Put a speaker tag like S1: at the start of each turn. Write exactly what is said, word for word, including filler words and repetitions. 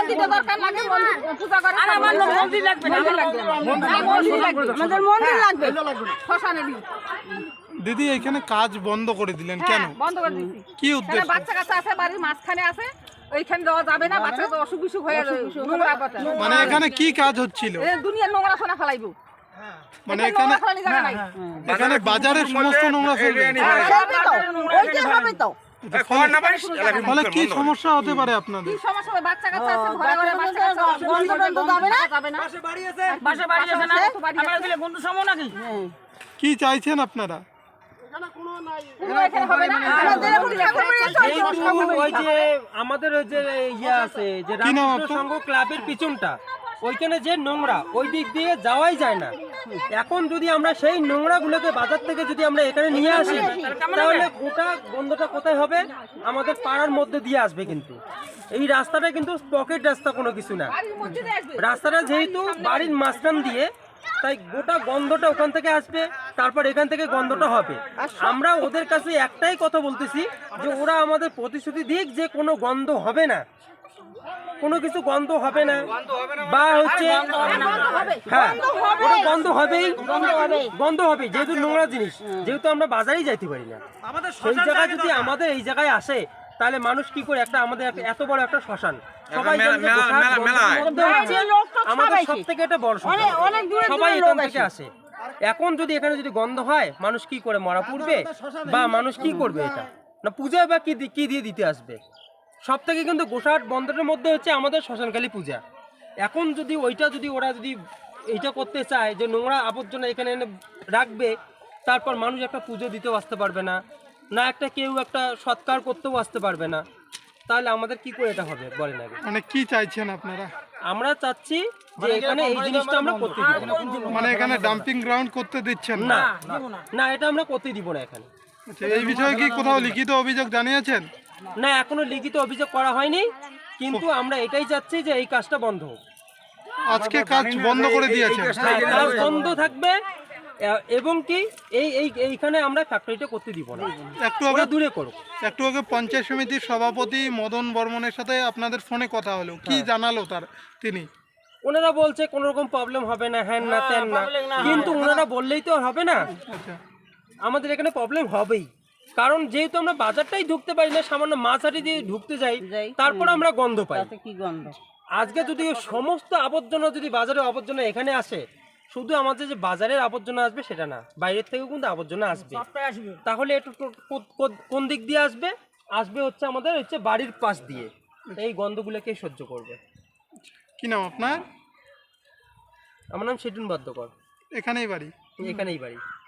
S1: মন্দিরে দরকার লাগে পূজা করে আর আমার মন্দির লাগবে না মন্দির লাগবে আমাদের মন্দির লাগবে শ্মশানে দিই।
S2: দিদি এখানে কাজ বন্ধ করে দিলেন কেন?
S1: বন্ধ করে দিয়েছি
S2: কি উদ্দেশ্য?
S1: বাচ্চা কাচ্চা আছে বাড়ির মাঝখানে আছে ওইখানে দেওয়া যাবে না, বাচ্চা তো অসুখ বিসুখ হয়ে নোংরা বাচ্চা।
S2: মানে এখানে কি কাজ হচ্ছিল?
S1: দুনিয়ার নোংরা সোনা ফেলাইবো
S2: মানে এখানে এখানে বাজারের সমস্ত নোংরা ফেলবে। ফলে কি সমস্যা হতে পারে আপনাদের?
S1: কি সমস্যা হবে? বাচ্চা কাচ্চা আছে ঘরে ঘরে বাচ্চা কাচ্চা গন্ধ গন্ধ যাবে না যাবে না পাশে বাড়ি আছে পাশে বাড়ি আছে না আমরা দিলে বন্ধু সমো নাকি?
S2: কি চাইছেন আপনারা?
S3: আমাদের ওই যে ইয়ে আছে যে রামকৃষ্ণ সংঘ ক্লাবের পিছনটা ওইখানে যে নোংরা ওই দিক দিয়ে যাওয়াই যায় না। এখন যদি আমরা সেই নোংরা গুলোকে বাজার থেকে যদি আমরা এখানে নিয়ে আসি তাহলে গোটা গন্ধটা কোথায় হবে? আমাদের পাড়ার মধ্যে দিয়ে আসবে। কিন্তু এই রাস্তাটা কিন্তু পকেট রাস্তা কোনো কিছু না, রাস্তাটা যেহেতু বাড়ির মাঝখান দিয়ে তাই গোটা গন্ধটা ওখান থেকে আসবে, তারপর এখান থেকে গন্ধটা হবে। আমরা ওদের কাছে একটাই কথা বলতেছি যে ওরা আমাদের প্রতিশ্রুতি দিক যে কোনো গন্ধ হবে না, কোনো কিছু গন্ধ হবে না বা হচ্ছে হ্যাঁ ওটা গন্ধ হবেই গন্ধ হবে যেহেতু নোংরা জিনিস, যেহেতু আমরা বাজারেই যাইতে পারি না। সেই জায়গায় যদি আমাদের এই জায়গায় আসে তাহলে মানুষ কি করে একটা আমাদের এত বড় একটা শ্মশান সবাই আমাদের সব থেকে একটা বড় সবাই এখান থেকে আসে। এখন যদি এখানে যদি গন্ধ হয় মানুষ কি করে মরা পড়বে বা মানুষ কি করবে? এটা না পূজা বা কি কি দিয়ে দিতে আসবে? সব থেকে কিন্তু গোসাহাট বন্দরের মধ্যে হচ্ছে আমাদের শ্মশানকালী পূজা। এখন যদি ওইটা যদি ওরা যদি এইটা করতে চায় যে নোংরা আবর্জনা এখানে এনে রাখবে, তারপর মানুষ একটা পুজো দিতেও আসতে পারবে না, না একটা কেউ একটা সৎকার করতেও আসতে পারবে না, তাহলে আমাদের কি করে এটা হবে বলেন আগে?
S2: মানে কি চাইছেন আপনারা?
S3: আমরা চাচ্ছি যে এখানে এই জিনিসটা আমরা করতে দিব না।
S2: মানে এখানে ডাম্পিং গ্রাউন্ড করতে দিচ্ছেন
S3: না? না এটা আমরা করতে দিব না এখানে।
S2: আচ্ছা, এই বিষয়ে কি কোথাও লিখিত অভিযোগ জানিয়েছেন?
S3: না এখনো লিখিত অভিযোগ করা হয়নি, কিন্তু আমরা এটাই চাচ্ছি যে এই কাজটা বন্ধ হোক।
S2: আজকে কাজ বন্ধ করে দিয়েছে,
S3: কাজ বন্ধ থাকবে এবং কি এই এই এইখানে আমরা ফ্যাক্টরিটা করতে দিব না,
S2: একটু আগে
S3: দূরে করুক।
S2: একটু আগে পঞ্চায়েত সমিতির সভাপতি মদন বর্মনের সাথে আপনাদের ফোনে কথা হলো, কি জানালো তার তিনি?
S3: ওনারা বলছে কোনো রকম প্রবলেম হবে না, হ্যান না তেন না, কিন্তু ওনারা বললেই তো হবে না, আমাদের এখানে প্রবলেম হবেই। কারণ যেহেতু আমরা বাজারটাই ঢুকতে পারি না, সামান্য মাছাটি দিয়ে ঢুকতে যাই, তারপর আমরা গন্ধ পাই। আজকে যদি সমস্ত আবর্জনা যদি বাজারের আবর্জনা এখানে আসে, শুধু আমাদের যে বাজারের আবর্জনা আসবে সেটা না, বাইরের থেকেও কিন্তু আবর্জনা আসবে। তাহলে একটু কোন দিক দিয়ে আসবে? আসবে হচ্ছে আমাদের হচ্ছে বাড়ির পাশ দিয়ে। এই গন্ধগুলোকে সহ্য করবে।
S2: কি নাম আপনার?
S3: আমার নাম সেটুন বাদ্যকর।
S2: এখানেই বাড়ি?
S3: এখানেই বাড়ি।